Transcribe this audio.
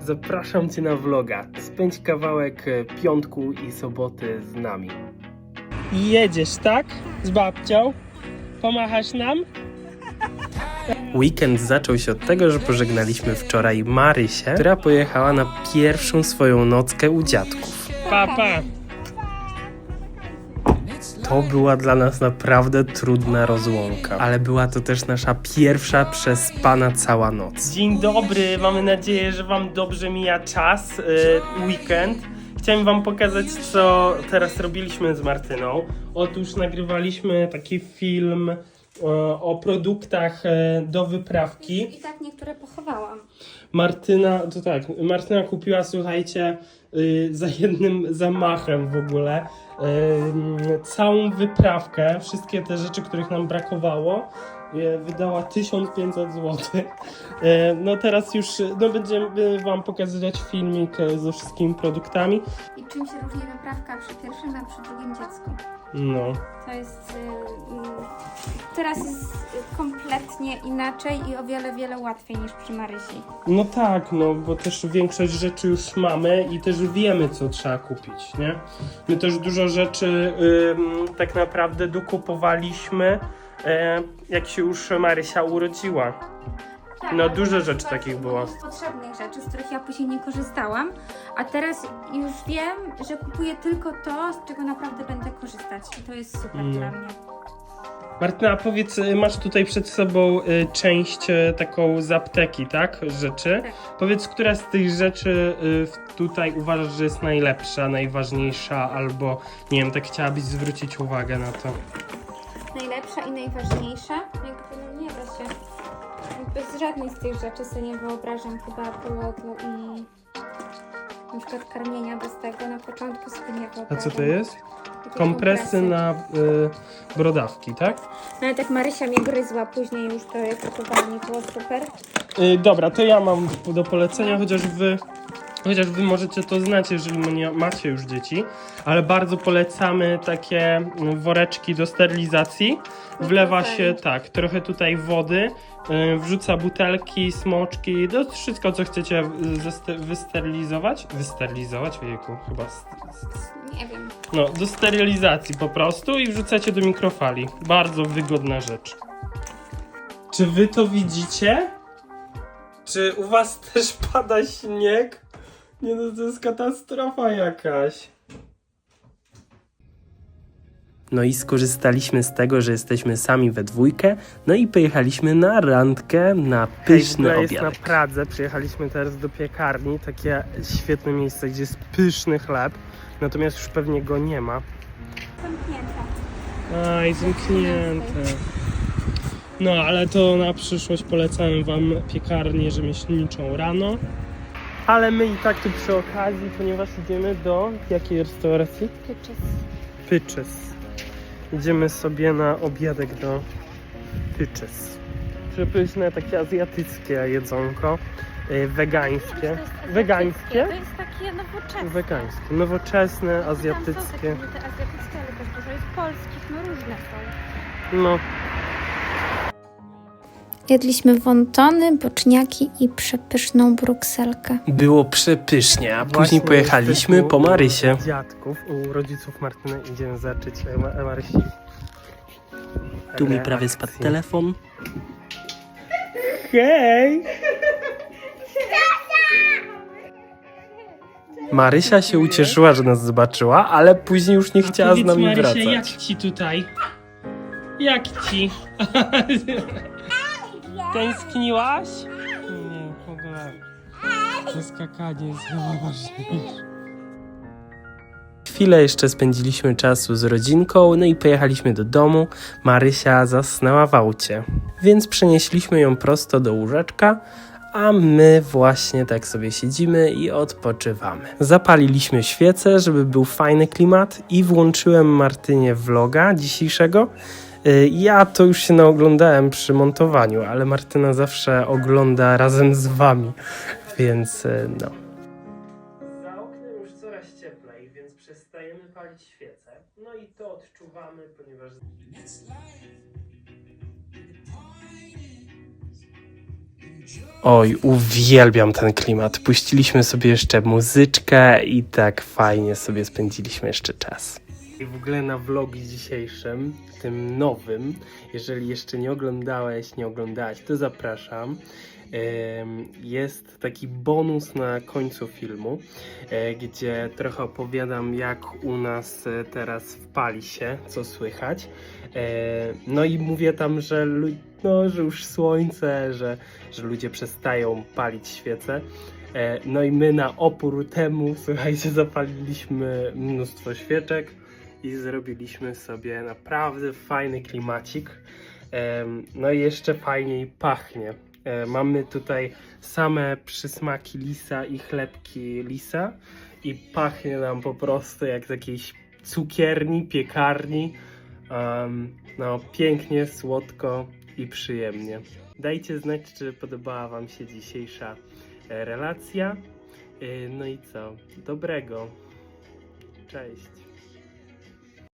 zapraszam Cię na vloga. Spędź kawałek piątku i soboty z nami. Jedziesz, tak? Z babcią? Pomachasz nam? Weekend zaczął się od tego, że pożegnaliśmy wczoraj Marysię, która pojechała na pierwszą swoją nockę u dziadków. Pa. To była dla nas naprawdę trudna rozłąka, ale była to też nasza pierwsza przespana cała noc. Dzień dobry, mamy nadzieję, że Wam dobrze mija czas, weekend. Chciałem Wam pokazać, co teraz robiliśmy z Martyną. Otóż nagrywaliśmy taki film o produktach do wyprawki. I tak niektóre pochowałam. Martyna kupiła, słuchajcie, za jednym zamachem w ogóle całą wyprawkę, wszystkie te rzeczy, których nam brakowało. Wydała 1500 zł. No teraz już będziemy Wam pokazywać filmik ze wszystkimi produktami. I czym się różni wyprawka przy pierwszym, a przy drugim dziecku? No. To jest... teraz jest kompletnie inaczej i o wiele, wiele łatwiej niż przy Marysi. No tak, no bo też większość rzeczy już mamy i też wiemy, co trzeba kupić, nie? My też dużo rzeczy tak naprawdę dokupowaliśmy, jak się już Marysia urodziła. Tak, No dużo rzeczy takich było. Potrzebnych rzeczy, z których ja później nie korzystałam, a teraz już wiem, że kupuję tylko to, z czego naprawdę będę korzystać i to jest super dla mnie. Martyna, powiedz, masz tutaj przed sobą część taką z apteki, tak? Rzeczy. Tak. Powiedz, która z tych rzeczy tutaj uważasz, że jest najlepsza, najważniejsza, albo nie wiem, tak chciałabyś zwrócić uwagę na to. Najlepsza i najważniejsza? Jakby nie da się. Bez żadnej z tych rzeczy sobie nie wyobrażam chyba połogu i na przykład karmienia bez tego na początku sobie nie wyobrażam. A co to jest? Takie Kompresy na brodawki, tak? Nawet jak Marysia mnie gryzła później już to je kupowała, nie było super. Dobra, to ja mam do polecenia, chociaż wy możecie to znać, jeżeli nie macie już dzieci, ale bardzo polecamy takie woreczki do sterylizacji. Wlewa się trochę tutaj wody, wrzuca butelki, smoczki, to wszystko, co chcecie wysterylizować. Wysterylizować? Ojejku, chyba. Nie wiem. No, do sterylizacji po prostu i wrzucacie do mikrofali. Bardzo wygodna rzecz. Czy wy to widzicie? Czy u was też pada śnieg? Nie no, to jest katastrofa jakaś. No i skorzystaliśmy z tego, że jesteśmy sami we dwójkę, no i pojechaliśmy na randkę, na pyszny obiad. Jest na Pradze, przyjechaliśmy teraz do piekarni, takie świetne miejsce, gdzie jest pyszny chleb, natomiast już pewnie go nie ma. Zamknięte. Aj, zamknięte. No, ale to na przyszłość polecamy Wam piekarnię rzemieślniczą rano. Ale my i tak tu przy okazji, ponieważ idziemy do jakiej restauracji? Pyczes. Idziemy sobie na obiadek do Pyczes. Przepyszne, takie azjatyckie jedzonko. Wegańskie. Wegańskie? To jest takie nowoczesne. Wegańskie. Nowoczesne, azjatyckie. Tam są takie te azjatyckie, ale też dużo jest polskich, no różne są. No. Jedliśmy wontony, boczniaki i przepyszną brukselkę. Było przepysznie, a później pojechaliśmy po Marysię. Dziadków, u rodziców Martyny idziemy zacząć Marysi. Tu mi prawie spadł telefon. Hej! Marysia się ucieszyła, że nas zobaczyła, ale później już nie chciała z nami Marysia, wracać. jak ci tutaj? Jak ci? Tęskniłaś? Nie, w ogóle. To skakanie jest chyba ważniejsze. Chwilę jeszcze spędziliśmy czasu z rodzinką, no i pojechaliśmy do domu. Marysia zasnęła w aucie, więc przenieśliśmy ją prosto do łóżeczka, a my właśnie tak sobie siedzimy i odpoczywamy. Zapaliliśmy świecę, żeby był fajny klimat i włączyłem Martynie vloga dzisiejszego. Ja to już się naoglądałem przy montowaniu, ale Martyna zawsze ogląda razem z wami, więc no. Za oknem już coraz cieplej, więc przestajemy palić świece. No i to odczuwamy, ponieważ... Oj, uwielbiam ten klimat. Puściliśmy sobie jeszcze muzyczkę i tak fajnie sobie spędziliśmy jeszcze czas. I w ogóle na vlogu dzisiejszym, tym nowym, jeżeli jeszcze nie oglądałeś, nie oglądałaś, to zapraszam. Jest taki bonus na końcu filmu, gdzie trochę opowiadam, jak u nas teraz w Palisie, co słychać. No i mówię tam, że, że już słońce, że ludzie przestają palić świece. No i my na opór temu, słuchajcie, zapaliliśmy mnóstwo świeczek i zrobiliśmy sobie naprawdę fajny klimacik. No i jeszcze fajniej pachnie. Mamy tutaj same przysmaki lisa i chlebki lisa i pachnie nam po prostu jak z jakiejś cukierni, piekarni. No pięknie, słodko i przyjemnie. Dajcie znać, czy podobała Wam się dzisiejsza relacja. No i co? Dobrego. Cześć.